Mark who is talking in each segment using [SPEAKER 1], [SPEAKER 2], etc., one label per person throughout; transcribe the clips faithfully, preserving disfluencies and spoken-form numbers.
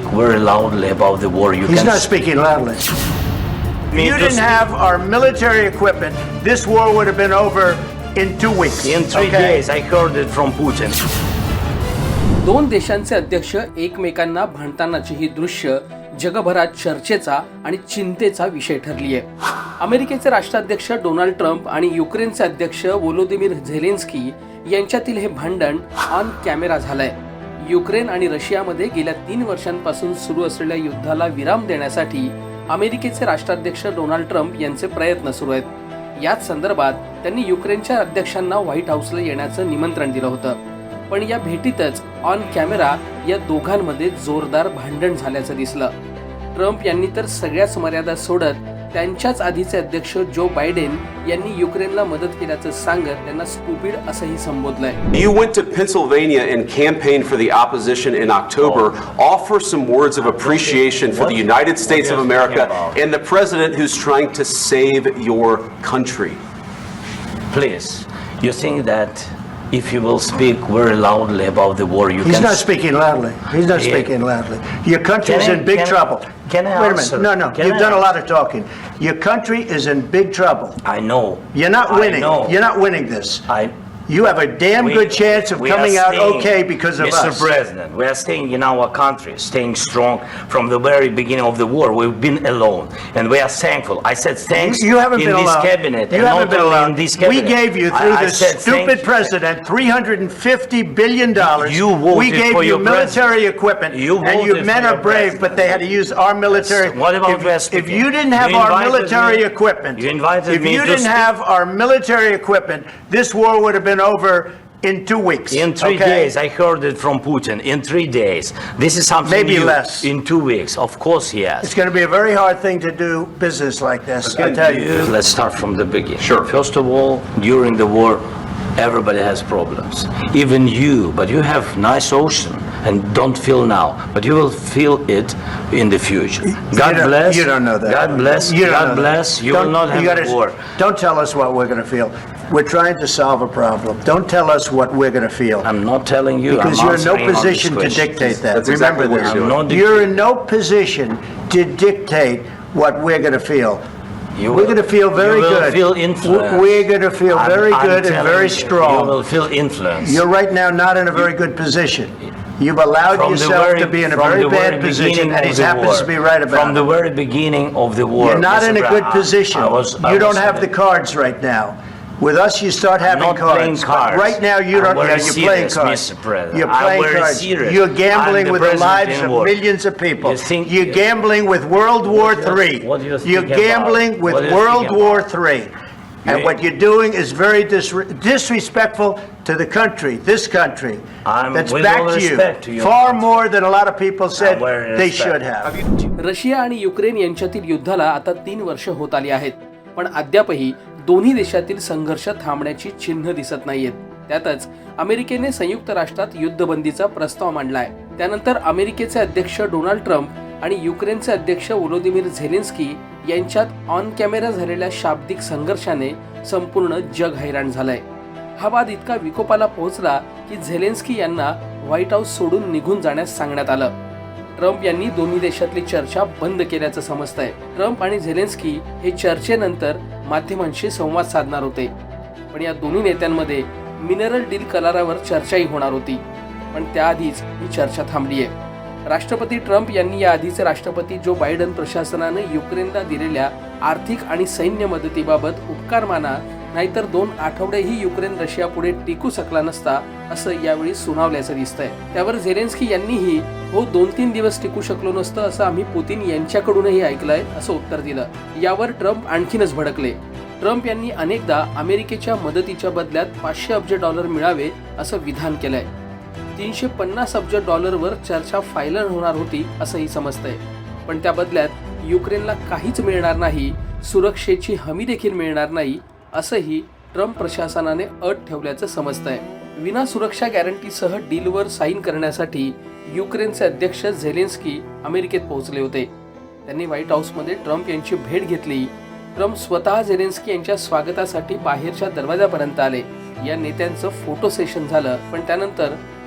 [SPEAKER 1] very loudly about the war, you
[SPEAKER 2] He's
[SPEAKER 1] can...
[SPEAKER 2] not speaking loudly. If you didn't have our military equipment, this war would have been over in two weeks.
[SPEAKER 1] In three
[SPEAKER 2] okay?
[SPEAKER 1] days, I heard it from Putin.
[SPEAKER 3] दोन देशांचे अध्यक्ष एकमेकांना भांडतानाची ही दृश्य जगभरात चर्चेचा आणि चिंतेचा विषय ठरली आहे. अमेरिकेचे राष्ट्राध्यक्ष डोनाल्ड ट्रम्प आणि युक्रेनचे अध्यक्ष व्होलोदिमीर झेलेन्स्की यांच्यातील हे भांडण ऑन कॅमेरा झालंय. युक्रेन आणि रशियामध्ये गेल्या तीन वर्षांपासून सुरू असलेल्या युद्धाला विराम देण्यासाठी अमेरिकेचे राष्ट्राध्यक्ष डोनाल्ड ट्रम्प यांचे प्रयत्न सुरू आहेत. याच संदर्भात त्यांनी युक्रेनच्या अध्यक्षांना व्हाईट हाऊसला येण्याचं निमंत्रण दिलं होतं. पण या भेटीतच ऑन कॅमेरा या दोघांमध्ये जोरदार भांडण झाल्याचं दिसलं. ट्रम्प यांनी तर सगळ्याच मर्यादा सोडत त्यांच्याच आधीचे अध्यक्ष जो बायडेन यांनी युक्रेनला मदत केल्याचं सांगत त्यांना स्टुपिड असंही संबोधलंय.
[SPEAKER 4] You went to Pennsylvania and campaigned for the opposition in October. Offer some words of appreciation for the United States of America and the president who's trying to save your country.
[SPEAKER 1] Please, you think that if you will speak very loudly about the war, you
[SPEAKER 2] He's
[SPEAKER 1] can...
[SPEAKER 2] not speaking loudly. He's not
[SPEAKER 1] Yeah.
[SPEAKER 2] speaking loudly. Your country
[SPEAKER 1] Can
[SPEAKER 2] is
[SPEAKER 1] I-
[SPEAKER 2] in big
[SPEAKER 1] can I-
[SPEAKER 2] trouble.
[SPEAKER 1] can I
[SPEAKER 2] Wait a
[SPEAKER 1] answer?
[SPEAKER 2] minute. No, no.
[SPEAKER 1] Can
[SPEAKER 2] You've
[SPEAKER 1] I
[SPEAKER 2] done a lot
[SPEAKER 1] answer?
[SPEAKER 2] of talking. Your country is in big trouble.
[SPEAKER 1] I know.
[SPEAKER 2] You're not
[SPEAKER 1] I
[SPEAKER 2] winning.
[SPEAKER 1] know.
[SPEAKER 2] You're not winning this.
[SPEAKER 1] I...
[SPEAKER 2] You have a damn
[SPEAKER 1] We-
[SPEAKER 2] good chance of
[SPEAKER 1] we are
[SPEAKER 2] coming out
[SPEAKER 1] staying,
[SPEAKER 2] okay because of
[SPEAKER 1] Mister
[SPEAKER 2] us.
[SPEAKER 1] President, we are staying in our country, staying strong from the very beginning of the war. We've been alone, and we are thankful. I said thanks
[SPEAKER 2] You haven't
[SPEAKER 1] in
[SPEAKER 2] been
[SPEAKER 1] this
[SPEAKER 2] alone.
[SPEAKER 1] cabinet,
[SPEAKER 2] You
[SPEAKER 1] and
[SPEAKER 2] haven't
[SPEAKER 1] not
[SPEAKER 2] been
[SPEAKER 1] only
[SPEAKER 2] alone.
[SPEAKER 1] in this cabinet.
[SPEAKER 2] We gave you through
[SPEAKER 1] I, I
[SPEAKER 2] this
[SPEAKER 1] said thank
[SPEAKER 2] stupid
[SPEAKER 1] you.
[SPEAKER 2] president three hundred fifty billion dollars.
[SPEAKER 1] You voted
[SPEAKER 2] we gave
[SPEAKER 1] for
[SPEAKER 2] you
[SPEAKER 1] your
[SPEAKER 2] military
[SPEAKER 1] president.
[SPEAKER 2] equipment,
[SPEAKER 1] You
[SPEAKER 2] and you
[SPEAKER 1] voted
[SPEAKER 2] men
[SPEAKER 1] for
[SPEAKER 2] are
[SPEAKER 1] your
[SPEAKER 2] brave,
[SPEAKER 1] president.
[SPEAKER 2] but they had to use our military.
[SPEAKER 1] What about
[SPEAKER 2] if,
[SPEAKER 1] West
[SPEAKER 2] if
[SPEAKER 1] Virginia?
[SPEAKER 2] you didn't have
[SPEAKER 1] You
[SPEAKER 2] our
[SPEAKER 1] invited
[SPEAKER 2] military
[SPEAKER 1] me-
[SPEAKER 2] equipment,
[SPEAKER 1] you invited
[SPEAKER 2] if
[SPEAKER 1] me
[SPEAKER 2] you
[SPEAKER 1] to
[SPEAKER 2] didn't
[SPEAKER 1] speak-
[SPEAKER 2] have our military equipment, this war would have been over in two weeks.
[SPEAKER 1] In three
[SPEAKER 2] okay?
[SPEAKER 1] days, I heard it from Putin. In three days, this is something
[SPEAKER 2] Maybe
[SPEAKER 1] new.
[SPEAKER 2] less.
[SPEAKER 1] In two weeks, of course, he has.
[SPEAKER 2] It's going to be a very hard thing to do business like this. I tell you.
[SPEAKER 1] Let's start from the beginning.
[SPEAKER 4] Sure.
[SPEAKER 1] First of all, during the war, everybody has problems. Even you, but you have nice ocean and don't feel now, but you will feel it in the future. God
[SPEAKER 2] you
[SPEAKER 1] bless.
[SPEAKER 2] You don't know that.
[SPEAKER 1] God bless.
[SPEAKER 2] You don't
[SPEAKER 1] God
[SPEAKER 2] know
[SPEAKER 1] bless.
[SPEAKER 2] That.
[SPEAKER 1] You
[SPEAKER 2] Don't-
[SPEAKER 1] will not have
[SPEAKER 2] you
[SPEAKER 1] a
[SPEAKER 2] gotta-
[SPEAKER 1] war.
[SPEAKER 2] Don't tell us what we're going to feel. We're trying to solve a problem. Don't tell us what we're going to feel.
[SPEAKER 1] I'm not telling you.
[SPEAKER 2] Because
[SPEAKER 1] I'm
[SPEAKER 2] you're in no
[SPEAKER 1] answering on this
[SPEAKER 2] position to
[SPEAKER 1] question.
[SPEAKER 2] dictate that.
[SPEAKER 4] That's
[SPEAKER 2] Remember
[SPEAKER 4] exactly what
[SPEAKER 2] this.
[SPEAKER 4] you're
[SPEAKER 1] doing. I'm not
[SPEAKER 2] You're in no position to dictate what we're going to feel.
[SPEAKER 1] You
[SPEAKER 2] We're
[SPEAKER 1] will-
[SPEAKER 2] going to feel very
[SPEAKER 1] you will
[SPEAKER 2] good.
[SPEAKER 1] Feel influence.
[SPEAKER 2] We're going to feel
[SPEAKER 1] I'm-
[SPEAKER 2] very
[SPEAKER 1] I'm
[SPEAKER 2] good and
[SPEAKER 1] telling
[SPEAKER 2] very
[SPEAKER 1] you,
[SPEAKER 2] strong.
[SPEAKER 1] You will feel influence.
[SPEAKER 2] You're right now not in a very good position. You've allowed
[SPEAKER 1] From the
[SPEAKER 2] yourself
[SPEAKER 1] very-
[SPEAKER 2] to be in a
[SPEAKER 1] from
[SPEAKER 2] very
[SPEAKER 1] the
[SPEAKER 2] bad
[SPEAKER 1] very
[SPEAKER 2] position,
[SPEAKER 1] beginning
[SPEAKER 2] and
[SPEAKER 1] of
[SPEAKER 2] he
[SPEAKER 1] the
[SPEAKER 2] happens
[SPEAKER 1] war.
[SPEAKER 2] to be right about
[SPEAKER 1] From the
[SPEAKER 2] it.
[SPEAKER 1] very beginning of the war.
[SPEAKER 2] You're not
[SPEAKER 1] Mister
[SPEAKER 2] in a good
[SPEAKER 1] Brown,
[SPEAKER 2] position.
[SPEAKER 1] I was- I
[SPEAKER 2] You
[SPEAKER 1] was
[SPEAKER 2] don't have
[SPEAKER 1] in
[SPEAKER 2] the
[SPEAKER 1] a-
[SPEAKER 2] cards right now. With us, you start having
[SPEAKER 1] not
[SPEAKER 2] cards.
[SPEAKER 1] playing
[SPEAKER 2] But
[SPEAKER 1] cards.
[SPEAKER 2] right now, you
[SPEAKER 1] I'm
[SPEAKER 2] don't.
[SPEAKER 1] very
[SPEAKER 2] Yeah, you're playing
[SPEAKER 1] serious,
[SPEAKER 2] cards.
[SPEAKER 1] Mister President.
[SPEAKER 2] You're
[SPEAKER 1] I'm
[SPEAKER 2] playing
[SPEAKER 1] very
[SPEAKER 2] cards.
[SPEAKER 1] serious.
[SPEAKER 2] You're gambling
[SPEAKER 1] I'm the
[SPEAKER 2] with the
[SPEAKER 1] president
[SPEAKER 2] lives
[SPEAKER 1] in
[SPEAKER 2] of
[SPEAKER 1] war.
[SPEAKER 2] millions of people.
[SPEAKER 1] You think-
[SPEAKER 2] You're gambling with World War
[SPEAKER 1] What do you-
[SPEAKER 2] Three.
[SPEAKER 1] what do you think
[SPEAKER 2] You're
[SPEAKER 1] about?
[SPEAKER 2] gambling with
[SPEAKER 1] What do you
[SPEAKER 2] World
[SPEAKER 1] think
[SPEAKER 2] War
[SPEAKER 1] about?
[SPEAKER 2] Three. And
[SPEAKER 1] You-
[SPEAKER 2] what you're doing is very dis- disrespectful to the country, this country,
[SPEAKER 1] I'm
[SPEAKER 2] that's
[SPEAKER 1] with all
[SPEAKER 2] back to you,
[SPEAKER 1] respect to your
[SPEAKER 2] far
[SPEAKER 1] country.
[SPEAKER 2] more than a lot of people said
[SPEAKER 1] I'm very
[SPEAKER 2] they
[SPEAKER 1] respect.
[SPEAKER 2] should have.
[SPEAKER 3] Russia आणि Ukraine यांच्यातील युद्धाला आता तीन वर्ष होत आली आहेत, पण अद्यापही दोन्ही देशातील संघर्ष थांबण्याची चिन्ह दिसत नाहीयेत. त्यातच अमेरिकेने संयुक्त राष्ट्रात युद्धबंदीचा प्रस्ताव मांडलाय. त्यानंतर अमेरिकेचे अध्यक्ष डोनाल्ड ट्रम्प आणि युक्रेनचे अध्यक्ष व्होलोदिमीर झेलेन्स्की यांच्यात ऑन कॅमेरा झालेल्या शाब्दिक संघर्षाने संपूर्ण जग हैराण झालंय. हा वाद इतका विकोपाला पोहोचला की झेलेन्स्की यांना व्हाईट हाऊस सोडून निघून जाण्यास सांगण्यात आलं. ट्रम्प यांनी दोन्ही देशातली चर्चा बंद केल्याचं समजतंय. ट्रम्प आणि झेलेन्स्की हे चर्चेनंतर माध्यमांशी संवाद साधणार होते, पण या दोन्ही नेत्यांमध्ये मिनरल डील करारावर चर्चाही होणार होती, पण त्याआधीच ही चर्चा थांबली आहे. राष्ट्रपती ट्रम्प यांनी या आधीचे राष्ट्रपती जो बायडन प्रशासनाने युक्रेनला दिलेल्या आर्थिक आणि सैन्य मदतीबाबत उपकार माना, नाहीतर दोन आठवडेही युक्रेन रशिया पुढे टिकू शकला नसता असं यावेळी सुनावल्याचं दिसतंय. त्यावर झेलेन्स्की यांनीही हो दोन तीन दिवस टिकू शकलो नसतं असं आम्ही पुतीन यांच्याकडूनही ऐकलंय असं उत्तर दिलं. यावर ट्रम्प आणखीनच भडकले. ट्रम्प यांनी अनेकदा अमेरिकेच्या मदतीच्या बदल्यात पाचशे अब्ज डॉलर मिळावे असं विधान केलंय. तीनशे पन्नास अब्ज डॉलरवर चर्चा फायनल होणार होती असंही समजतंय, पण त्या बदल्यात युक्रेनला काहीच मिळणार नाही, सुरक्षेची हमी देखील मिळणार नाही असंही ट्रम्प प्रशासनाने अट ठेवल्याचं समजतंय. विना सुरक्षा गॅरंटीसह डीलवर साईन करण्यासाठी युक्रेनचे अध्यक्ष झेलेन्स्की अमेरिकेत पोहोचले होते. त्यांनी व्हाईट हाऊसमध्ये ट्रम्प यांची भेट घेतली. ट्रम्प स्वतः झेलेन्स्की यांच्या स्वागतासाठी बाहेरच्या दरवाजापर्यंत आले. या नेत्यांचं फोटो सेशन झालं, पण त्यानंतर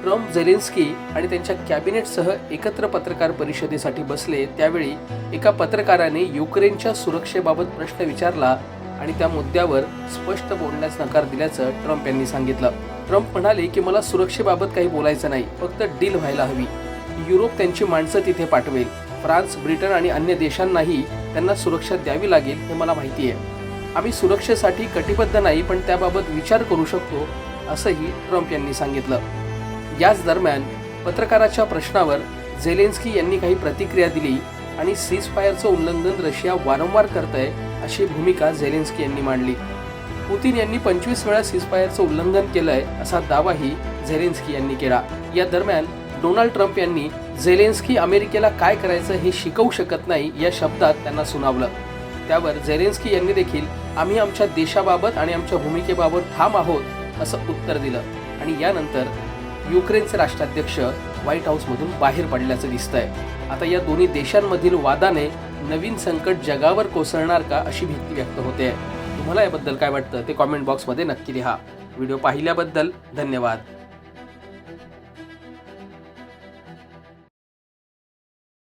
[SPEAKER 3] ट्रम्प झेलेन्स्की आणि त्यांच्या कॅबिनेटसह एकत्र पत्रकार परिषदेसाठी बसले त्यावेळी एका पत्रकाराने युक्रेनच्या सुरक्षेबाबत प्रश्न विचारला आणि त्या मुद्द्यावर स्पष्ट बोलण्यास नकार दिल्याचं ट्रम्प यांनी सांगितलं. ट्रम्प म्हणाले की मला सुरक्षेबाबत काही बोलायचं नाही, फक्त डील व्हायला हवी. युरोप त्यांची माणसं तिथे पाठवेल. फ्रान्स, ब्रिटन आणि अन्य देशांनाही त्यांना सुरक्षा द्यावी लागेल हे मला माहिती आहे. आम्ही सुरक्षेसाठी कटिबद्ध नाही, पण त्याबाबत विचार करू शकतो असंही ट्रम्प यांनी सांगितलं. याच दरम्यान पत्रकाराच्या प्रश्नावर झेलेन्स्की यांनी काही प्रतिक्रिया दिली आणि सीजफायरचं उल्लंघन रशिया वारंवार करतंय अशी भूमिका झेलेन्स्की यांनी मांडली. पुतीन यांनी पंचवीस वेळा सीजफायरचं उल्लंघन केलंय असा दावाही झेलेन्स्की यांनी केला. या दरम्यान डोनाल्ड ट्रम्प यांनी झेलेन्स्की अमेरिकेला काय करायचं हे शिकवू शकत नाही या शब्दात त्यांना सुनावलं. त्यावर झेलेन्स्की यांनी देखील आम्ही आमच्या देशाबाबत आणि आमच्या भूमिकेबाबत ठाम आहोत असं उत्तर दिलं आणि यानंतर युक्रेनचे राष्ट्राध्यक्ष व्हाईट हाऊसमधून बाहेर पडल्याचं दिसतंय. आता या दोन्ही देशांमधील वादाने नवीन संकट जगावर कोसळणार का अशी भीती व्यक्त होते. तुम्हाला याबद्दल काय वाटतं ते कॉमेंट बॉक्समध्ये नक्की लिहा. व्हिडिओ पाहिल्याबद्दल धन्यवाद.